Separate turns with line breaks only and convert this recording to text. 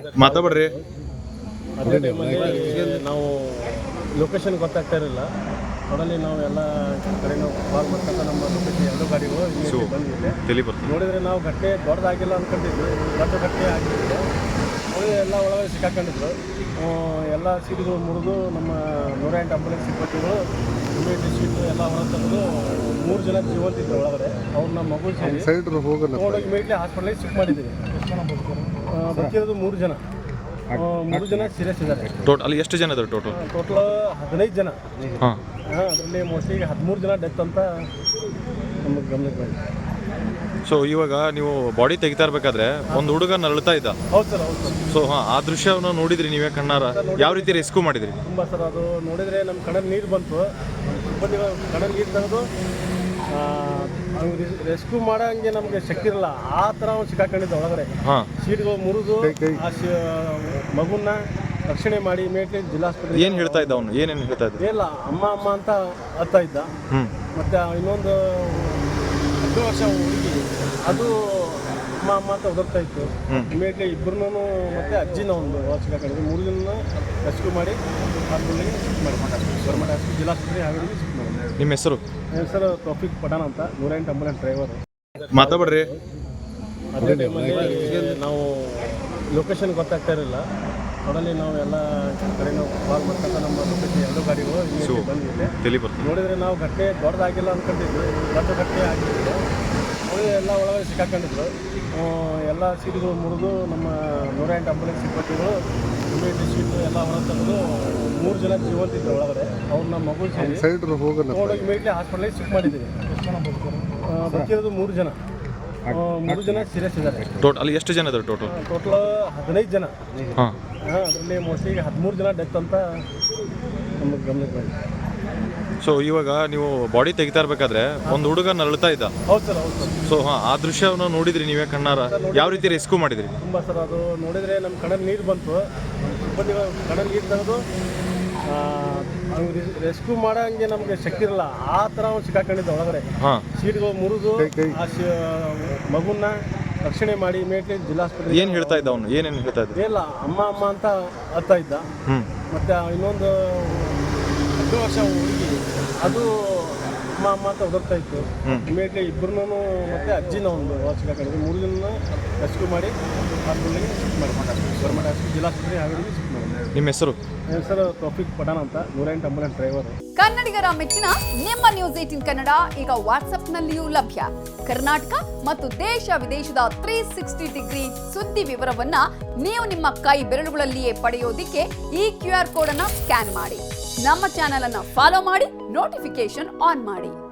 ಮಾತಾಡ್ರಿ.
ಅದೇ ಟೈಮಲ್ಲಿ ನಾವು ಲೊಕೇಶನ್ ಗೊತ್ತಾಗ್ತಾ ಇರಲಿಲ್ಲ. ಟೋಟಲಿ ನಾವು ಎಲ್ಲ ಕಡೆ ನಾವು ಕಾಲ್ ಮಾಡ್ಕೊಂತ ನಮ್ಮ ಲೊಕೇಶನ್ ಎರಡು ಗಾಡಿಗಳು ಬಂದಿದೆ. ನೋಡಿದರೆ ನಾವು ಘಟನೆ ದೊಡ್ಡದಾಗಿಲ್ಲ ಅಂದ್ಕೊಂಡಿದ್ವಿ, ದೊಡ್ಡ ಘಟನೆ ಆಗಿತ್ತು. ಎಲ್ಲ ಒಳಗಡೆ ಸಿಕ್ಕಾಕೊಂಡಿದ್ರು. ಎಲ್ಲ ಸೀಟ್ಗಳು ಮುರಿದು ನಮ್ಮ 108 ಆಂಬುಲೆನ್ಸ್ ಸಿಬ್ಬಂದಿಗಳು ಇಮಿಡಿಯೇಟ್ ಸೀಟು ಎಲ್ಲ ಹೊರ ತಂದು 3 ಜನ ಜೀವಂತಿದ್ರು ಒಳಗಡೆ. ಅವ್ರು ನಮ್ಮ ಮಗು ಸೇರಿ ತಗೊಂಡೋಗಿ ಇಮಿಡಿಯೇಟ್ಲಿ ಹಾಸ್ಪಿಟಲಿಗೆ ಶಿಫ್ಟ್ ಮಾಡಿದ್ದೀವಿ. ಬದುಕಿರೋದು 3 ಜನ. 3 ಜನ ಸೀರಿಯಸ್ ಇದ್ದಾರೆ.
ಅಲ್ಲಿ ಎಷ್ಟು ಜನ ಇದ್ದಾರೆ ಟೋಟಲ್
15 ಜನ. ಅದರಲ್ಲಿ ಮೋಸ್ಟ್ಲಿ 13 ಜನ ಡೆತ್ ಅಂತ ನಮಗೆ ಗಮನಕ್ಕೆ ಬಂದಿದೆ.
ಸೊ ಇವಾಗ ನೀವು ಬಾಡಿ ತೆಗಿತಾ ಇರ್ಬೇಕಾದ್ರೆ ಒಂದು ಹುಡುಗ ನರಳ್ತಾ ಇದ್ದ.
ಹೌದು ಸರ್, ಹೌದು ಸರ್.
ಸೊ ಆ ದೃಶ್ಯವನ್ನು ನೋಡಿದ್ರಿ ನೀವೇ ಕಣ್ಣಾರ? ಯಾವ ರೀತಿ ರೆಸ್ಕ್ಯೂ ಮಾಡಿದ್ರಿ?
ತುಂಬ ಸರ್, ಅದು ನೋಡಿದರೆ ನಮ್ಮ ಕಣ್ಣಲ್ಲಿ ನೀರು ಬಂತು. ಕಣ್ಣಲ್ಲಿ ನೀರು ತೆಗೆದು ರೆಸ್ಕ್ಯೂ ಮಾಡೋಂಗೆ ನಮಗೆ ಶಕ್ತಿ ಇರಲ್ಲ, ಆ ಥರ ಅವ್ನು ಸಿಕ್ಕಾಕೊಂಡಿದ್ದ ಒಳಗಡೆ. ಸೀಟ್ಗಳು ಮುರಿದು ಆ ಮಗುನ ರಕ್ಷಣೆ ಮಾಡಿ ಇಮಿಡಿಯೇಟ್ಲಿ ಜಿಲ್ಲಾಸ್ಪತ್ರೆ.
ಏನು ಹೇಳ್ತಾ ಇದ್ದ ಅವನು? ಏನೇನು ಹೇಳ್ತಾ ಇದ್ದ?
ಇಲ್ಲ, ಅಮ್ಮ ಅಮ್ಮ ಅಂತ ಅರ್ಥ ಇದ್ದ. ಮತ್ತು ಇನ್ನೊಂದು 10 ವರ್ಷ ಹುಡುಗಿ, ಅದು ಅಮ್ಮ ಅಮ್ಮ ಅಂತ ಒದರ್ತಾ ಇತ್ತು. ಇಮಿಡಿಯೇಟ್ಲಿ ಇಬ್ಬರನ್ನೂ ಮತ್ತು ಅಜ್ಜಿನ ಒಂದು ಸಿಕ್ಕಾಕೊಂಡಿದ್ವಿ. 3 ಜನ ರೆಸ್ಕ್ಯೂ ಮಾಡಿ ಹಾಸ್ಪಿಟಲ್ಗೆ ಶಿಫ್ಟ್ ಮಾಡಿ ಗೌರ್ಮೆಂಟ್ ಹಾಸ್ಪಿಟಲ್ ಜಿಲ್ಲಾಸ್ಪತ್ರೆ ಹಾವೇರಿಗೆ ಶಿಫ್ಟ್ ಮಾಡಿ.
ನಿಮ್ಮ ಹೆಸರು?
ಹೆಸರು ತೌಫಿಕ್ ಪಠಾಣ್ ಅಂತ, 108 ಆಂಬುಲೆನ್ಸ್ ಡ್ರೈವರ್.
ಮಾತಾಡ್ರಿ.
ಅದೇ ಟೈಮಲ್ಲಿ ನಾವು ಲೊಕೇಶನ್ ಗೊತ್ತಾಗ್ತಾ ಇರಲಿಲ್ಲ. ಟೋಟಲಿ ನಾವು ಎಲ್ಲ ಕಡೆ ನಾವು ಕಾಲ್ ಮಾಡ್ಕೊಂತ ನಮ್ಮ ಲೊಕೇಶನ್ ಎರಡು ಗಾಡಿಗಳು ಬಂದಿದೆ. ನೋಡಿದರೆ ನಾವು ಘಟನೆ ದೊಡ್ಡದಾಗಿಲ್ಲ ಅಂದ್ಕೊಂಡಿದ್ವಿ, ದೊಡ್ಡ ಘಟನೆ ಆಗಿತ್ತು. ಎಲ್ಲ ಒಳಗಡೆ ಸಿಕ್ಕಾಕೊಂಡಿದ್ರು. ಎಲ್ಲ ಸೀಟ್ಗಳು ಮುರಿದು ನಮ್ಮ 108 ಆಂಬುಲೆನ್ಸ್ ಸಿಬ್ಬಂದಿಗಳು ಇಮಿಡಿಯೇಟ್ ಸೀಟು ಎಲ್ಲ ಹೊರ ತಂದು 3 ಜನ ಜೀವಂತಿದ್ರು ಒಳಗಡೆ. ಅವ್ರು ನಮ್ಮ ಮಗು ಸೇರಿ ತಗೊಂಡೋಗಿ ಇಮಿಡಿಯೇಟ್ಲಿ ಹಾಸ್ಪಿಟಲಿಗೆ ಶಿಫ್ಟ್ ಮಾಡಿದ್ದೀವಿ. ಬದುಕಿರೋದು 3 ಜನ. 3 ಜನ ಸೀರಿಯಸ್ ಇದ್ದಾರೆ.
ಅಲ್ಲಿ ಎಷ್ಟು ಜನ ಇದ್ದಾರೆ ಟೋಟಲ್
15 ಜನ. ಅದರಲ್ಲಿ ಮೋಸ್ಟ್ಲಿ 13 ಜನ ಡೆತ್ ಅಂತ ನಮಗೆ ಗಮನಕ್ಕೆ ಬಂದಿದೆ.
ಸೊ ಇವಾಗ ನೀವು ಬಾಡಿ ತೆಗಿತಾ ಇರ್ಬೇಕಾದ್ರೆ ಒಂದು ಹುಡುಗ ನರಳ್ತಾ ಇದ್ದ.
ಹೌದು ಸರ್, ಹೌದು ಸರ್.
ಸೊ ಆ ದೃಶ್ಯವನ್ನು ನೋಡಿದ್ರಿ ನೀವೇ ಕಣ್ಣಾರ? ಯಾವ ರೀತಿ ರೆಸ್ಕ್ಯೂ ಮಾಡಿದ್ರಿ?
ತುಂಬ ಸರ್, ಅದು ನೋಡಿದರೆ ನಮ್ಮ ಕಣ್ಣಲ್ಲಿ ನೀರು ಬಂತು. ಸಿಬ್ಬಂದಿಗಳು ಕಣ್ಣಲ್ಲಿ ನೀರು ತೆಗೆದು ರೆಸ್ಕ್ಯೂ ಮಾಡೋಂಗೆ ನಮಗೆ ಶಕ್ತಿ ಇರಲ್ಲ, ಆ ಥರ ಅವ್ನು ಸಿಕ್ಕಾಕೊಂಡಿದ್ದ ಒಳಗಡೆ. ಸೀಟ್ಗಳು ಮುರಿದು ಆ ಮಗುನ ರಕ್ಷಣೆ ಮಾಡಿ ಇಮಿಡಿಯೇಟ್ಲಿ ಜಿಲ್ಲಾಸ್ಪತ್ರೆ.
ಏನು ಹೇಳ್ತಾ ಇದ್ದ ಅವನು? ಏನೇನು ಹೇಳ್ತಾ ಇದ್ದ?
ಇಲ್ಲ, ಅಮ್ಮ ಅಮ್ಮ ಅಂತ ಅರ್ಥ ಇದ್ದ. ಮತ್ತು ಇನ್ನೊಂದು 10 ವರ್ಷ ಹುಡುಗಿ, ಅದು ಅಮ್ಮ ಅಮ್ಮ ಅಂತ ಒದರ್ತಾ ಇತ್ತು. ಇಮಿಡಿಯೇಟ್ಲಿ ಇಬ್ಬರನ್ನೂ ಮತ್ತು ಅಜ್ಜಿನ ಒಂದು ಸಿಕ್ಕಾಕೊಂಡಿದ್ವಿ. 3 ಜನ ರೆಸ್ಕ್ಯೂ ಮಾಡಿ ಹಾಸ್ಪಿಟಲ್ಗೆ ಶಿಫ್ಟ್ ಮಾಡಿ ಗೌರ್ಮೆಂಟ್ ಹಾಸ್ಪಿಟಲ್ ಜಿಲ್ಲಾಸ್ಪತ್ರೆ ಹಾವೇರಿಗೆ ಶಿಫ್ಟ್ ಮಾಡಿ.
ನಿಮ್ಮ ಹೆಸರು?
ಹೆಸರು ತೌಫಿಕ್ ಪಠಾಣ್ ಅಂತ, 108 ಆಂಬುಲೆನ್ಸ್ ಡ್ರೈವರ್.
ಕನ್ನಡಿಗರ ಮೆಚ್ಚಿನ ನಿಮ್ಮ ನ್ಯೂಸ್ 18 ಕನ್ನಡ ಈಗ ವಾಟ್ಸ್ಆಪ್ನಲ್ಲಿಯೂ ಲಭ್ಯ. ಕರ್ನಾಟಕ ಮತ್ತು ದೇಶ ವಿದೇಶದ 360 ಡಿಗ್ರಿ ಸುದ್ದಿ ವಿವರವನ್ನ ನೀವು ನಿಮ್ಮ ಕೈ ಬೆರಳುಗಳಲ್ಲಿಯೇ ಪಡೆಯೋದಿಕ್ಕೆ ಈ QR ಕೋಡ್ ಅನ್ನ ಸ್ಕ್ಯಾನ್ ಮಾಡಿ. ನಮ್ಮ ಚಾನೆಲ್ ಅನ್ನ ಫಾಲೋ ಮಾಡಿ, ನೋಟಿಫಿಕೇಶನ್ ಆನ್ ಮಾಡಿ.